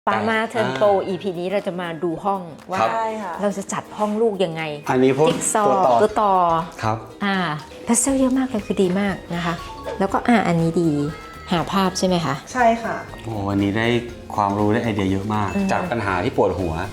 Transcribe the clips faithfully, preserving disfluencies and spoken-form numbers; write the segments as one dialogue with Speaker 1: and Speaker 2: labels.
Speaker 1: ปามาเทิร์นโปร อี พี นี้เราจะมาดูห้องว่าเราจะจัดห้องลูกยังไง
Speaker 2: อันนี้พวก
Speaker 1: จิ๊กซอ
Speaker 2: ตัวต่อ
Speaker 1: ตัวต่อ
Speaker 2: ครับ
Speaker 1: อ่าพาสเทลเยอะมากเลยคือดีมากนะคะแล้วก็อ่าอันนี้ดีหาภาพใช่ไหมคะ
Speaker 3: ใช่ค่ะ
Speaker 2: โอ้วันนี้ได้ความรู้ได้ไอเดียเยอะมากจากปัญหาที่ปวดหัว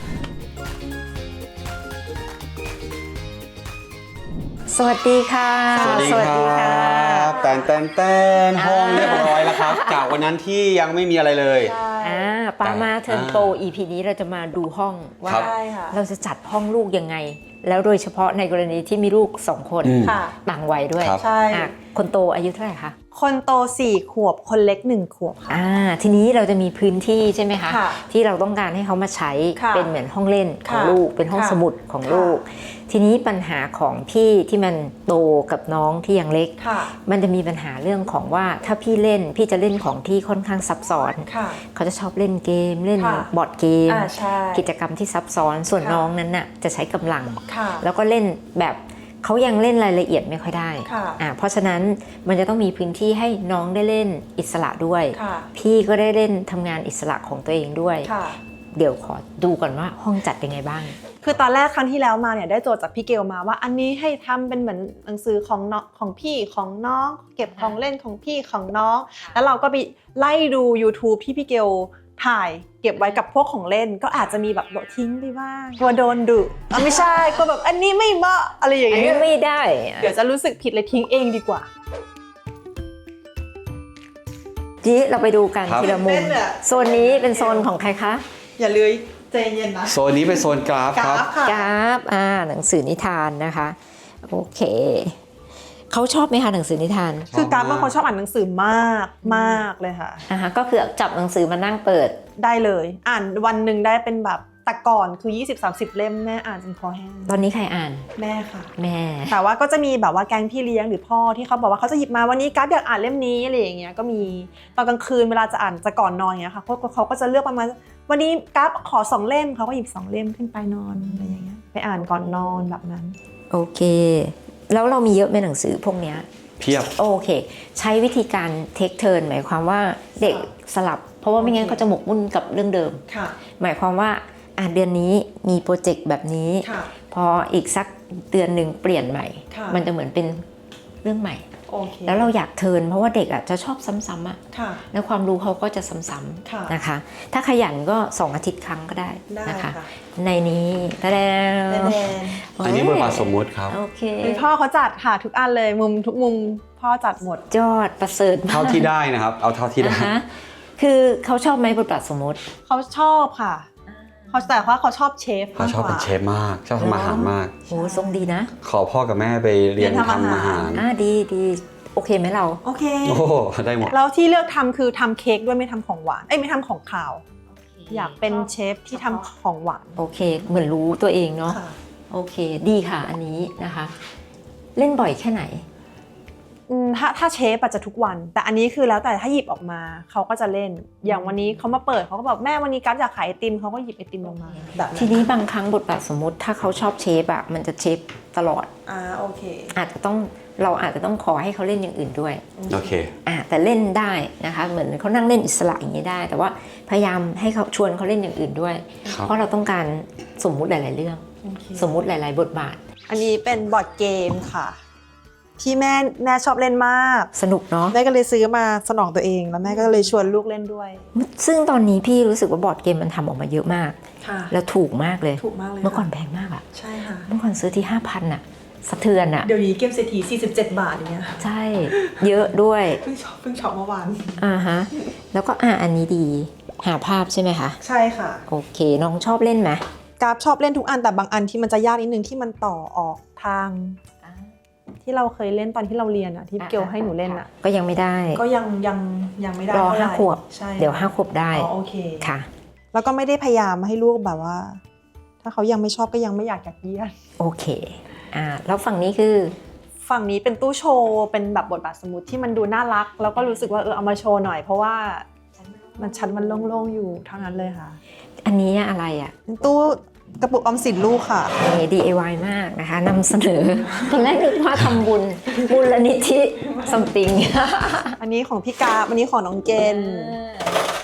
Speaker 1: สวัสดีค่ะ
Speaker 2: สวัสดีครับแตนแตนแตนห้องเรียบร้อยแล้วครับจากวันนั้นที่ยังไม่มีอะไรเลย
Speaker 1: อ่าปามาเทิร์นโปร อี พี นี้เราจะมาดูห้องว่าเราจะจัดห้องลูกยังไงแล้วโดยเฉพาะในกรณีที่มีลูกสองคนต่างวัยด้วย
Speaker 3: ใช่
Speaker 1: คนโตอายุเท่าไหร่คะ
Speaker 3: คนโตสี่ขวบคนเล็กหนึ่งขวบค่ะ
Speaker 1: อ่าทีนี้เราจะมีพื้นที่ใช่ไหมคะที่เราต้องการให้เขามาใช้เป็นเหมือนห้องเล่นของลูกเป็นห้องสมุดของลูกทีนี้ปัญหาของพี่ที่มันโตกับน้องที่ยังเล็กมันจะมีปัญหาเรื่องของว่าถ้าพี่เล่นพี่จะเล่นของที่ค่อนข้างซับซ้อนเขาจะชอบเล่นเกมเล่นบอร์ดเกมกิจกรรมที่ซับซ้อนส่วนน้องนั้นน่ะจะใช้กำลังแล้วก็เล่นแบบเขายังเล่นรายละเอียดไม่ค่อยได้อ่าเพราะฉะนั้นมันจะต้องมีพื้นที่ให้น้องได้เล่นอิสระด้วยพี่ก็ได้เล่นทำงานอิสระของตัวเองด้วยเดี๋ยวขอดูก่อนว่าห้องจัดยังไงบ้าง
Speaker 3: คือตอนแรกครั้งที่แล้วมาเนี่ยได้โจทย์จากพี่เกลมาว่าอันนี้ให้ทำเป็นเหมือนหนังสือของน้องของพี่ของน้องเก็บของเล่นของพี่ของน้องแล้วเราก็ไปไล่ดู YouTube ที่พี่เกลถ่ายเก็บไว้กับพวกของเล่นก็อาจจะมีแบบโดดทิ้งไปบ้างกลัวโดนดุอ่ะไม่ใช่กลัวแบบอันนี้ไม่เหมาะอะไรอย่างเงี้ย
Speaker 1: อันนี้ไม่ได้
Speaker 3: เดี๋ยวจะรู้สึกผิดเลยทิ้งเองดีกว่า
Speaker 1: ทีนี้เราไปดูกันทีละมุมโซนนี้เป็นโซนของใครคะ
Speaker 3: อย่าเลยใจเย็นนะ
Speaker 2: โซนนี้เป็นโซนกราฟครับ
Speaker 1: กราฟอ่าหนังสือนิทานนะคะโอเคเขาชอบไหมคะหนังสือนิทาน
Speaker 3: คือกราฟว่าเขาชอบอ่านหนังสือมากมากเลยค่ะ
Speaker 1: อ่าก็คือจับหนังสือมานั่งเปิด
Speaker 3: ได้เลยอ่านวันหนึ่งได้เป็นแบบแต่ก่อนคือ ยี่สิบ สามสิบ เล่มแม่อ่านจนคอแห้ง
Speaker 1: ตอนนี้ใครอ่าน
Speaker 3: แม่ค่ะ
Speaker 1: แม่
Speaker 3: แต่ว่าก็จะมีแบบว่าแก๊งพี่เลี้ยงหรือพ่อที่เขาบอกว่าเขาจะหยิบมาวันนี้กราฟอยากอ่านเล่มนี้อะไรอย่างเงี้ยก็มีตอนกลางคืนเวลาจะอ่านจะก่อนนอนอย่างเงี้ยค่ะเขาเขาก็จะเลือกประมาณวันนี้กราฟขอสองเล่มเขาก็หยิบสองเล่มขึ้นไปนอนอะไรอย่างเงี้ยไปอ่านก่อนนอนแบบนั้น
Speaker 1: โอเคแล้วเรามีเยอะไหมหนังสือพวกเนี้ย
Speaker 2: เพียบ
Speaker 1: โอเคใช้วิธีการเทคเทิร์นหมายความว่าเด็กสลับเพราะว่าไม่งั้นเขาจะหมกมุ่นกับเรื่องเดิมหมายความว่าอ่ะเดือนนี้มีโปรเจกต์แบบนี้พออีกสักเดือนหนึ่งเปลี่ยนใหม่มันจะเหมือนเป็นเรื่องใหม่แล้วเราอยากเทิร์นเพราะว่าเด็กอ่ะจะชอบซ้ำๆอ่ะแล้วความรู้เขาก็จะซ้ำๆนะคะถ้าขยันก็สองอาทิตย์ครั้งก็ได้นะคะในนี้แล้ว
Speaker 2: อันนี้บทบาทสมมุติครับ
Speaker 1: โอเค
Speaker 3: พ่อเขาจัดค่ะทุกอันเลยมุมทุกมุมพ่อจัดหมด
Speaker 1: ยอดประเสริฐ
Speaker 2: เท่าที่ได้นะครับเอาเท่าที่ได้
Speaker 1: คือเขาชอบไหมบทบาทสมมุติ
Speaker 3: เขาชอบค่ะเขาแต่ว่าเขาชอบเชฟ
Speaker 2: เขาชอบเป็นเชฟมากชอบทำอาหารมาก
Speaker 1: โอ้ทรงดีนะ
Speaker 2: ขอพ่อกับแม่ไปเรียนทำอาหาร
Speaker 1: อ่าดีดีโอเคไหมเรา
Speaker 3: โอเค
Speaker 2: โอ้ได้หมด
Speaker 3: แล้วที่เลือกทำคือทำเค้กด้วยไม่ทำของหวานเอ้ยไม่ทำของคาวอยากเป็นเชฟที่ทำของหวาน
Speaker 1: โอเคเหมือนรู้ตัวเองเนาะโอเคดีค่ะอันนี้นะคะเล่นบ่อยแค่ไหน
Speaker 3: ถ้าถ้าเชฟอาจจะทุกวันแต่อันนี้คือแล้วแต่ถ้าหยิบออกมาเขาก็จะเล่นอย่างวันนี้เขามาเปิดเขาก็บอกแม่วันนี้กั๊บอยากขายไอติมเขาก็หยิบไอติมลงมาแบบ
Speaker 1: ทีนี้บางครั้งบทบาทสมมุติถ้าเขาชอบเชฟอะมันจะเชฟตลอด
Speaker 3: อ่าโอเค
Speaker 1: อาจจะต้องเราอาจจะต้องขอให้เขาเล่นอย่างอื่นด้วย
Speaker 2: โอเค
Speaker 1: อ่าแต่เล่นได้นะคะเหมือนเขานั่งเล่นอิสระอย่างนี้ได้แต่ว่าพยายามให้เขาชวนเขาเล่นอย่างอื่นด้วยเพราะเราต้องการสมมุติหลายๆเรื่องสมมุติหลายๆบทบาท
Speaker 3: อันนี้เป็นบอร์ดเกมค่ะที่แม่แม่ชอบเล่นมาก
Speaker 1: สนุกเนาะ
Speaker 3: แม่ก็เลยซื้อมาสนองตัวเองแล้วแม่ก็เลยชวนลูกเล่นด้วย
Speaker 1: ซึ่งตอนนี้พี่รู้สึกว่าบอร์ดเกมมันทำออกมาเยอะมากแล้วถูกมากเลย
Speaker 3: ถูกมากเลย
Speaker 1: เมื่อก่อนแพงมากอะ
Speaker 3: ใช่ค่ะ
Speaker 1: เมื่อก่อนซื้อที่ ห้าพัน อะสะเทือนอะ
Speaker 3: เดี๋ยวนี้เกมเศรษฐีสี่สิบเจ็ดบาทอย่างเงี้ย
Speaker 1: ใช่เยอะด้วย
Speaker 3: เพิ่งช็อปเพิ่งช็อปเมื่อวาน
Speaker 1: อ่าฮะแล้วก็อ่าอันนี้ดีหาภาพใช่ไหมคะ
Speaker 3: ใช่ค่ะ
Speaker 1: โอเคน้องชอบเล่นไหม
Speaker 3: กราฟชอบเล่นทุกอันแต่บางอันที่มันจะยากนิดนึงที่มันต่อออกทางที่เราเคยเล่นตอนที่เราเรียนอะที่เกลให้หนูเล่นอะ
Speaker 1: ก็ยังไม่ได้
Speaker 3: ก็ยังยังยังไม่ได้
Speaker 1: รอห้าขวบเดี๋ยวห้าขวบได้
Speaker 3: โอเค
Speaker 1: ค่ะ
Speaker 3: แล้วก็ไม่ได้พยายามให้ลูกแบบว่าถ้าเขายังไม่ชอบก็ยังไม่อยากอยากเยียด
Speaker 1: โอเคอ่าแล้วฝั่งนี้คือ
Speaker 3: ฝั่งนี้เป็นตู้โชว์เป็นแบบบทบาทสมมุติที่มันดูน่ารักแล้วก็รู้สึกว่าเออเอามาโชว์หน่อยเพราะว่ามันชั้นมันโล่งๆอยู่เท่านั้นเลยค่ะ
Speaker 1: อันนี้อะไรอ่ะ
Speaker 3: ตู้กระปุกออมสินลูกค่ะ
Speaker 1: นี่ ดี ไอ วาย มากนะคะนำเสนอตอนแรกนึกว่าทำบุญบุญละนิธิ ซัมติง
Speaker 3: อันนี้ของพี่กาอันนี้ของน้องเกน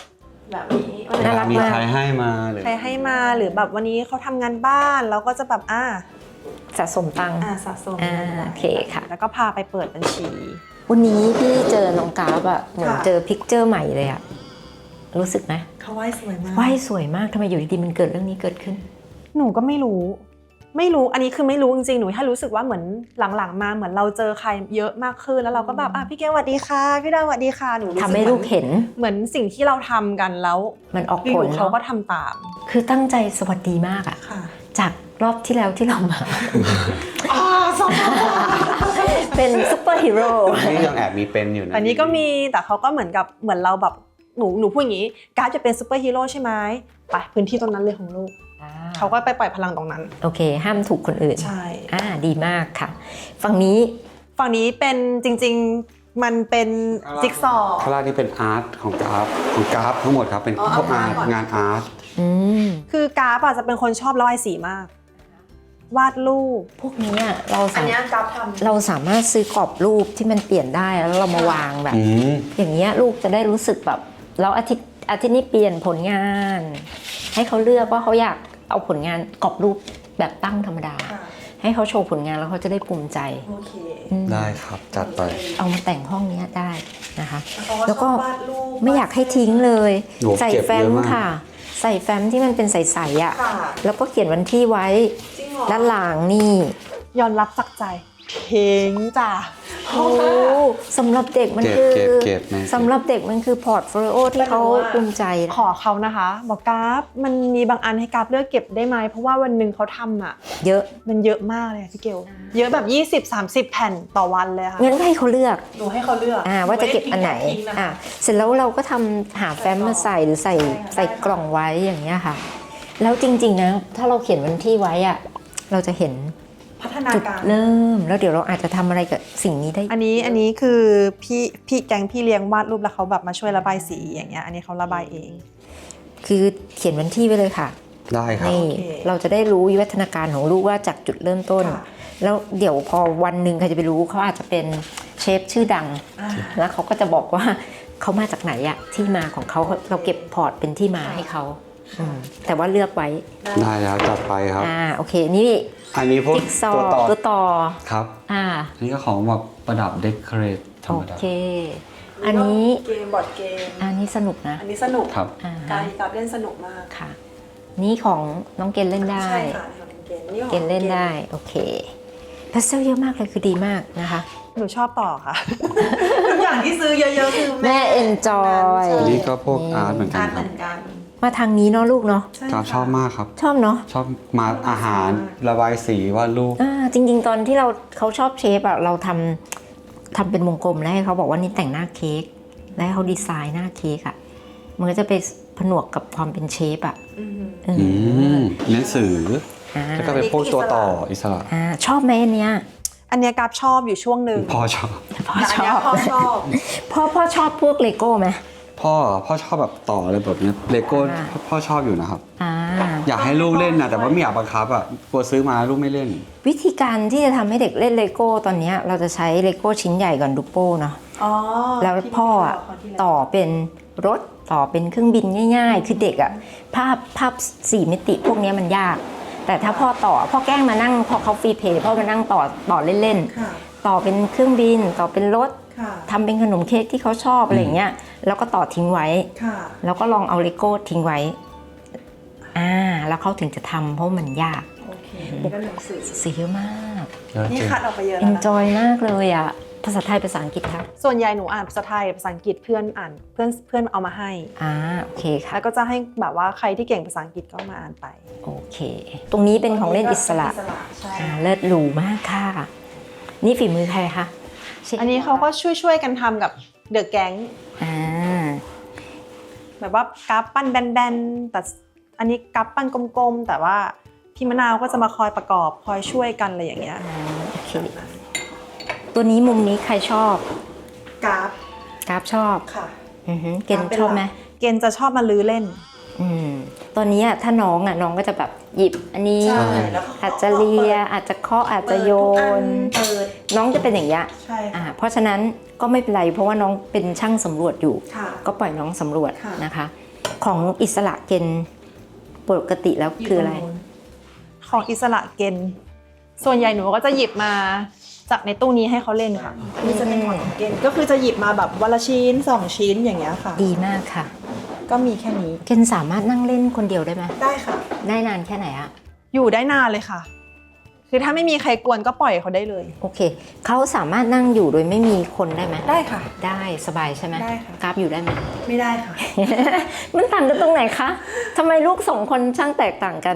Speaker 3: แบบนี้
Speaker 1: น่ารัก
Speaker 2: มี
Speaker 1: มาก
Speaker 2: ใครให้มาหรือ
Speaker 3: ใครให้มาหรือแบบวันนี้เขาทำงานบ้านเราก็จะแบบอ่า
Speaker 1: สะสมตังค์
Speaker 3: อ่าสะสม
Speaker 1: อ่าโอเคค่ะ
Speaker 3: แล้วก็พาไปเปิดบัญชี
Speaker 1: วันนี้พี่เจอน้องกราฟอะเหมือน
Speaker 3: ค่ะ
Speaker 1: เจอพิกเจอร์ใหม่เลยอะรู้สึกไหม
Speaker 3: เขาไหว้สวยมาก
Speaker 1: ว่ายสวยมากทำไมอยู่ดีๆมันเกิดเรื่องนี้เกิดขึ้น
Speaker 3: หนูก็ไม่รู้ ไม่รู้อันนี้คือไม่รู้จริงๆหนูแค่รู้สึกว่าเหมือนหลังๆมาเหมือนเราเจอใครเยอะมากขึ้นแล้วเราก็แบบอ่ะพี่เก๋สวัสดีค่ะพี่ดาวสวัสดีค่ะหนูรู้สึก
Speaker 1: ทำให้ลูกเห็น
Speaker 3: เหมือนสิ่งที่เราทำกันแล้ว
Speaker 1: มันออก
Speaker 3: อ
Speaker 1: ผล
Speaker 3: ยู่ๆเขา
Speaker 1: เนาะ
Speaker 3: ก็ทำตาม
Speaker 1: คือตั้งใจสวัสดีมากอะ
Speaker 3: ค่ะ
Speaker 1: จากรอบที่แล้วที่เรามา
Speaker 3: อ่าสอง
Speaker 1: เป็นซุปเปอร์ฮีโร่
Speaker 2: นี่ยังแอบมีเป็นอยู่นะ
Speaker 3: อันนี้ก็มีแต่เขาก็เหมือนกับเหมือนเราแบบหนูหนูพูดอย่างนี้การดจะเป็นซูเปอร์ฮีโร่ใช่ไหมไปพื้นที่ตรงนั้นเลยของลูกเขาก็ไปปล่อยพลังตรงนั้น
Speaker 1: โอเค ห้ามถูกคนอื่น
Speaker 3: ใช่
Speaker 1: อ่าดีมากค่ะ ฝั่งนี้
Speaker 3: ฝั่งนี้เป็นจริงๆมันเป็นจิ๊กซอว์
Speaker 2: ข้างล่างนี่เป็นอาร์ตของกราฟของกราฟทั้งหมดครับเป็น
Speaker 3: อ๋อ
Speaker 2: พวกอาร์ต
Speaker 3: เอาก่อน
Speaker 2: งานอาร์ต
Speaker 1: อืม
Speaker 3: คือกราฟอะจะเป็นคนชอบระบายสีมาก วาดรูป
Speaker 1: พวกนี้อะเรา
Speaker 3: อั
Speaker 1: สาน มาร
Speaker 3: นี้
Speaker 1: ถ
Speaker 3: กราฟทำ
Speaker 1: เราสามารถซื้อกรอบรูปที่มันเปลี่ยนได้แล้วเรามาวางแบบ
Speaker 2: อืม
Speaker 1: อย่างเงี้ยลูกจะได้รู้สึกแบบแล้วอาทิตย์อาทิตย์นี้เปลี่ยนผลงาน ให้เขาเลือกว่าเขาอยากเอาผลงานกรอบรูปแบบตั้งธรรมดา ให้เขาโชว์ผลงานแล้วเขาจะได้ภูมิใจ
Speaker 3: โอเค
Speaker 1: อืม
Speaker 2: ได้ครับจัดไป
Speaker 1: เอามาแต่งห้องเนี้ยได้นะคะ
Speaker 3: แล้
Speaker 1: แล้ว ว
Speaker 3: ก็
Speaker 1: ก็
Speaker 3: วาดรูป
Speaker 1: ไม่อยากให้ทิ้งเลย
Speaker 2: โอ้
Speaker 1: ใส่
Speaker 2: เก็บ
Speaker 1: แฟ้ม
Speaker 2: เยอะมาก
Speaker 1: ค่ะ ใส่แฟ้มที่มันเป็นใสๆอ่ะ
Speaker 3: ค่ะ
Speaker 1: แล้วก็เขียนวันที่ไว้
Speaker 3: จริงเหรอ
Speaker 1: ด้านหลังนี่
Speaker 3: ยอมรับสักใจเพ้งจ้ะ
Speaker 1: โอ้สำหรับเด็กมัน
Speaker 2: เก็บ
Speaker 1: คือ
Speaker 2: เก็บเก็บนะ
Speaker 1: สำหรับเด็กมันคือพอร์ตโฟลิโอที่เขาภูมิใจ
Speaker 3: ขอเขานะคะ บอกกราฟมันมีบางอันให้กราฟเลือกเก็บได้ไหมเพราะว่าวันหนึ่งเขาทำอ่ะ
Speaker 1: เยอะ
Speaker 3: มันเยอะมากเลยอะพี่เกลเยอะแบบ ยี่สิบสามสิบ แผ่นต่อวันเลยค่ะ
Speaker 1: งั้นก็ให้เขาเลือก
Speaker 3: หนูให้เขาเลือก
Speaker 1: อ่าว่าจะเก็บอันไหน
Speaker 3: ม่ด้ทิ้งะ
Speaker 1: อ่าเสร็จแล้วเราก็ทำหาแฟ้มมาใส่หรือใส่
Speaker 3: ใช่ค่ะ
Speaker 1: ใส่กล่องไว้อย่างเงี้ยค่ะ แล้วจริงๆนะถ้าเราเขียนวันที่ไว้อะเราจะเห็น
Speaker 3: พัฒนา
Speaker 1: จุด
Speaker 3: การ
Speaker 1: เริ่มแล้วเดี๋ยวเราอาจจะทำอะไรกับสิ่งนี้ได้
Speaker 3: อันนี้อันนี้คือพี่พี่แกงพี่เลี้ยงวาดรูปแล้วเขาแบบมาช่วยระบายสีอย่างเงี้ยอันนี้เขาระบายเอง
Speaker 1: คือเขียนวันที่ไว้เลยค่ะ
Speaker 2: ได้ครับ
Speaker 1: นี่
Speaker 3: โอเค
Speaker 1: เราจะได้รู้วิวัฒนาการของลูกว่าจากจุดเริ่มต้น
Speaker 3: ค่ะ
Speaker 1: แล้วเดี๋ยวพอวันหนึ่งใครจะไปรู้เขาอาจจะเป็นเชฟชื่อดัง
Speaker 3: อ่า
Speaker 1: แล้วเขาก็จะบอกว่าเขามาจากไหนอะที่มาของเขาเราเก็บพอร์ตเป็นที่มาให้เขาอืมแต่ว่าเลือกไว้
Speaker 2: ได้แล้วจัดไปครับ
Speaker 1: อ่าโอเคนี่
Speaker 2: อันนี้พวก
Speaker 1: จิ๊กซอ
Speaker 2: ตัว
Speaker 1: ว์
Speaker 2: ต่อ
Speaker 1: ตัวต่อ
Speaker 2: ครับ
Speaker 1: อ่า
Speaker 2: อันนี้ก็ของแบบประดับเดคอเรทธร
Speaker 1: โอ
Speaker 2: รมดา
Speaker 1: เค อันนี้
Speaker 3: เกมบอร์ดเกม
Speaker 1: อันนี้สนุกนะ
Speaker 3: อันนี้สนุก
Speaker 2: ครับ
Speaker 1: อ่า
Speaker 3: การ
Speaker 1: ฮะ
Speaker 3: กับเล่นสนุกมาก
Speaker 1: ค่ะ นี่ของน้องเกณฑ์เล่นได้
Speaker 3: ใช่ค่ะนี่ของเกมนี่ของ
Speaker 1: เกณฑ์เล่นได้โอเคพาสเซลเยอะมากเลยคือดีมากนะคะ
Speaker 3: หนูชอบต่อค่ะ ทุกอย่างที่ซื้อเยอะๆคือ
Speaker 1: แม่ enjoy
Speaker 2: อันนี้ก็พวก
Speaker 1: นี่
Speaker 2: อาร์ตเหมือนกั
Speaker 3: กาน ร
Speaker 2: ค
Speaker 3: เห
Speaker 2: รับ
Speaker 3: มือนกัน
Speaker 1: มาทางนี้เนาะลูกเนาะ
Speaker 3: ใช่
Speaker 2: กราฟ
Speaker 3: ค่ะ
Speaker 2: ชอบมากครับ
Speaker 1: ชอบเนาะ
Speaker 2: ชอบมาอาหารระบายสีวาดรูป
Speaker 1: อ่าจริงๆ ตอนที่เราเขาชอบเชฟอะเราทำทำเป็นวงกลมแล้วให้เขาบอกว่านี่แต่งหน้าเค้กแล้วให้เขาดีไซน์หน้าเค้กอะมันก็จะไปผนวกกับความเป็นเชฟอะ
Speaker 3: อืม
Speaker 1: เออ
Speaker 2: อืมหนังสือ
Speaker 1: อ่า
Speaker 2: แล้วก็เป็นพวกตัวต่ออิสระ
Speaker 1: อ่าชอบไหมอันเนี้ย
Speaker 3: อันเนี้ยกราฟชอบอยู่ช่วงหนึ่ง
Speaker 2: พ่อชอบ
Speaker 1: พ่อ
Speaker 3: แต่
Speaker 1: ช
Speaker 3: อันเนี้
Speaker 1: อย บ
Speaker 3: พ่อชอบ
Speaker 1: พ่อพ่อชอบพวกเลโก้ไหม
Speaker 2: พ่อพ่อชอบแบบต่ออะไรแบบเนี้เลโก้
Speaker 1: อ่า
Speaker 2: พ่อชอบอยู่นะครับ
Speaker 1: อ่า
Speaker 2: อยากให้ลูกเล่นนะแต่ว่าไม่อยากบังคับอ่ะกลัวซื้อมาลูกไม่เล่น
Speaker 1: วิธีการที่จะทำให้เด็กเล่นเลโก้ตอนเนี้ยเราจะใช้เลโก้ชิ้นใหญ่ก่อนดูโป้เนาะ
Speaker 3: อ๋อ
Speaker 1: แล้วพ่ออะต่อเป็นรถต่อเป็นเครื่องบินง่ายๆ คือเด็กอะภาพภาพสี่มิติพวกเนี้ยมันยาก แต่ถ้าพ่อต่อพ่อแกล้งมานั่งพอเขาฟรีเพย์พ่อมานั่งต่อต่อเล่น
Speaker 3: ค่ะ
Speaker 1: ๆ ต่อเป็นเครื่องบินต่อเป็นรถ
Speaker 3: ค่ะ
Speaker 1: ทำเป็นขนมเค้กที่เขาชอบอะไรอย่างเงี้ยแล้วก็ต่อทิ้งไว้
Speaker 3: ค่ะ
Speaker 1: แล้วก็ลองเอาเลโก้ทิ้งไว้อ่าแล้วเขาถึงจะทำเพราะมันยาก
Speaker 3: โอเคนี่ก็หนังสือ
Speaker 1: สีเยอะมาก
Speaker 2: เยอะ
Speaker 3: นี่
Speaker 2: จริง
Speaker 3: คัดออกไปเยอะแล้วนะ
Speaker 1: enjoy มากเลยอะภาษาไทยภาษาอังกฤษครับ
Speaker 3: ส่วนใหญ่หนูอ่านภาษาไทยภาษาอังกฤษเพื่อนอ่านเพื่อนเพื่อนเอามาให้
Speaker 1: อ่าโอเคค่ะ
Speaker 3: แล้วก็จะให้แบบว่าใครที่เก่งภาษาอังกฤษก็มาอ่านไป
Speaker 1: โอเค ตรงนี้เป็นของเล่นอิสระ
Speaker 3: ใช่
Speaker 1: อ่าเลิศหรูมากค่ะ นี่ฝีมือใครคะเชฟ
Speaker 3: อันนี้เขาก็ช่วยช่วยๆกันทำกับเดอะแก๊ง
Speaker 1: อ่า
Speaker 3: แบบว่ากราฟปั้นแบนๆแต่อันนี้กราฟปั้นกลมๆแต่ว่าพี่มะนาวก็จะมาคอยประกอบคอยช่วยกันอะไรอย่างเงี้ย
Speaker 1: อ่าโอเค ตัวนี้มุมนี้ใครชอบ
Speaker 3: กราฟ
Speaker 1: กราฟชอบ
Speaker 3: ค่ะ
Speaker 1: อือหือเกณฑ์ชอบไหม
Speaker 3: เกณฑ์จะชอบมาลื้อเล่น
Speaker 1: อืมตอนนี้อะถ้าน้องอ่ะน้องก็จะแบบหยิบอันนี้
Speaker 3: ใช่แล้วก็
Speaker 1: อาจจะเลียอาจจะเคาะอาจจะโยน
Speaker 3: เปิด
Speaker 1: น้องจะเป็นอย่างเงี้ย
Speaker 3: ใช่
Speaker 1: อ่า
Speaker 3: ค่ะ
Speaker 1: เพราะฉะนั้นก็ไม่เป็นไรเพราะว่าน้องเป็นช่างสำรวจอยู่
Speaker 3: ค่ะ
Speaker 1: ก็ปล่อยน้องสำรวจ
Speaker 3: ค่ะ
Speaker 1: นะคะ ขของอิสระเกณฑ์ปกติแล้วคืออะไร
Speaker 3: ของอิสระเกณฑ์ส่วนใหญ่หนูก็จะหยิบมาจากในตู้นี้ให้เขาเล่นค่ะนี่จะเป็นของเกณฑ์ก็คือจะหยิบมาแบบวันละชิ้นสองชิ้นอย่างเงี้ยค่ะ
Speaker 1: ดีมากค่ะ
Speaker 3: ก็มีแค่นี้
Speaker 1: เกณฑ์สามารถนั่งเล่นคนเดียวได้ไหม
Speaker 3: ได้ค่ะ
Speaker 1: ได้นานแค่ไหนอะ
Speaker 3: อยู่ได้นานเลยค่ะ คือถ้าไม่มีใครกวนก็ปล่อยเขาได้เลย
Speaker 1: โอเคเขาสามารถนั่งอยู่โดยไม่มีคนได้ไหม
Speaker 3: ได้ค่ะ
Speaker 1: ได้สบายใช่ไหม
Speaker 3: ได้ค่ะ
Speaker 1: กราฟอยู่ได้ไหม
Speaker 3: ไม่ได้ค่ะ
Speaker 1: มันต่างกันตรงไหนคะทำไมลูกสองคนช่างแตกต่างกัน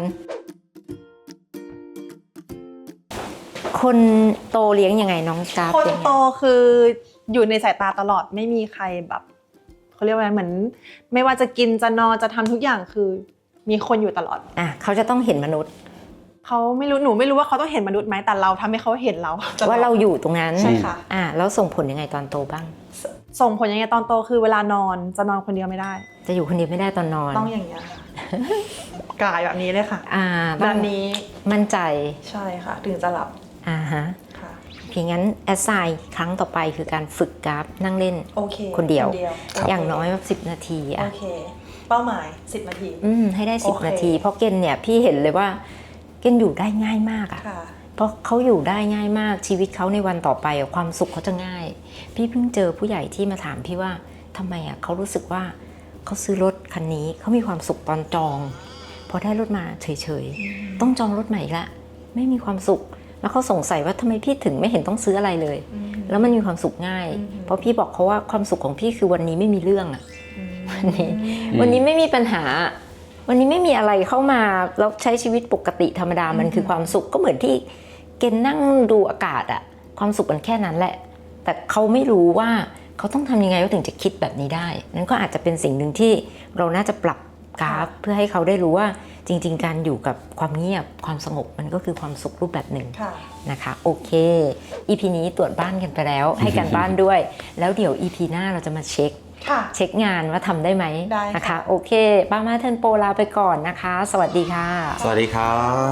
Speaker 1: คนโตเลี้ยงยังไงน้องกราฟ
Speaker 3: คน
Speaker 1: เลี้ยงยังไง
Speaker 3: โตคืออยู่ในสายตาตลอดไม่มีใครแบบเขาเรียกว่าไงเหมือน ไม่ว่าจะกินจะนอนจะทำทุกอย่างคือมีคนอยู่ตลอด
Speaker 1: อ่ะเขาจะต้องเห็นมนุษย์
Speaker 3: เขาไม่รู้หนูไม่รู้ว่าเขาต้องเห็นมนุษย์ไหมแต่เราทำให้เขาเห็นเราตลอด
Speaker 1: ว่าเราอยู่ตรงนั้น
Speaker 3: ใช่ค่ะ
Speaker 1: อ่ะแล้วส่งผลยังไงตอนโตบ้าง
Speaker 3: สส่งผลยังไงตอนโตคือเวลานอนจะนอนคนเดียวไม่ได้
Speaker 1: จะอยู่คนเดียวไม่ได้ตอนนอน
Speaker 3: ต้องอย่างเงี้ยค่ะ กายแบบนี้เลยค่ะ
Speaker 1: อ่า
Speaker 3: แบ
Speaker 1: ต้อง
Speaker 3: บนี้
Speaker 1: มั่นใจ
Speaker 3: ใช่ค่ะ ถึงจะหลับ
Speaker 1: อ่าฮะ
Speaker 3: ค่ะ
Speaker 1: เพียงงั้นแอสไซน์ครั้งต่อไปคือการฝึกกราฟนั่งเล่น
Speaker 3: โอเค
Speaker 1: คนเดียว
Speaker 3: โเค
Speaker 1: อย่างน้อยแบบสิบนาที
Speaker 3: โอ
Speaker 1: อ่ะ
Speaker 3: เค เป้าหมายสิบนาที
Speaker 1: อืมให้ได้สิบ
Speaker 3: โอเค
Speaker 1: นาที เพราะเกณฑ์เนี่ยพี่เห็นเลยว่าเกณฑ์อยู่ได้ง่ายมากอ่ะ
Speaker 3: ค่ะ
Speaker 1: เพราะเขาอยู่ได้ง่ายมากชีวิตเขาในวันต่อไปอะความสุขเขาจะง่าย พี่เพิ่งเจอผู้ใหญ่ที่มาถามพี่ว่าทำไมอ่ะเขารู้สึกว่าเขาซื้อรถคันนี้เขามีความสุขตอนจองพอได้รถมาเฉยๆต้องจองรถใหม่อีกละไม่มีความสุข แล้วเขาสงสัยว่าทำไมพี่ถึงไม่เห็นต้องซื้ออะไรเลย แล้วมันมีความสุขง่าย เพราะพี่บอกเขาว่าความสุขของพี่คือวันนี้ไม่มีเรื่องอ่ะวันนี้วันนี้ไม่มีปัญหา วันนี้ไม่มีอะไรเข้ามาแล้วใช้ชีวิตปกติธรรมดามันคือความสุขก็เหมือนที่เกณฑ์นั่งดูอากาศอะความสุขมันแค่นั้นแหละ แต่เขาไม่รู้ว่าเขาต้องทำยังไงเขาถึงจะคิดแบบนี้ได้นั่นก็อาจจะเป็นสิ่งหนึ่งที่เราน่าจะปรับกราฟเพื่อให้เขาได้รู้ว่าจริงๆการอยู่กับความเงียบความสงบมันก็คือความสุขรูปแบบหนึ่ง
Speaker 3: ค่ะ
Speaker 1: นะคะโอเค อี พี นี้ตรวจบ้านกันไปแล้ว ให้การบ้านด้วย แล้วเดี๋ยว อี พี หน้าเราจะมาเช็ค
Speaker 3: ค่ะ
Speaker 1: เช็คงานว่าทำได้ไหม
Speaker 3: ได้ค่ะ
Speaker 1: นะคะโอเคป้ามาเทิร์นโปรลาไปก่อนนะคะ สวัสดีค่ะ
Speaker 2: สวัสดีครับ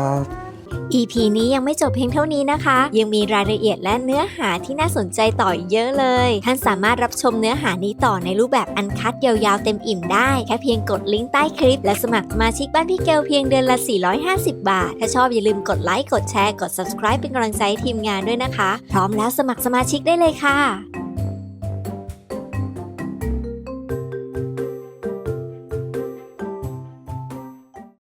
Speaker 4: อี พี นี้ยังไม่จบเพียงเท่านี้นะคะ ยังมีรายละเอียดและเนื้อหาที่น่าสนใจต่ออีกเยอะเลย ท่านสามารถรับชมเนื้อหานี้ต่อในรูปแบบอันคัดยาวๆเต็มอิ่มได้ แค่เพียงกดลิงก์ใต้คลิป และสมัครสมาชิกบ้านพี่เกลเพียงเดือนละ สี่ร้อยห้าสิบ บาท ถ้าชอบอย่าลืมกดไลค์ กดแชร์ กด ซับสไครบ์ เป็นกำลังใจให้ทีมงานด้วยนะคะ พร้อมแล้วสมัครสมาชิกได้เลยค่ะ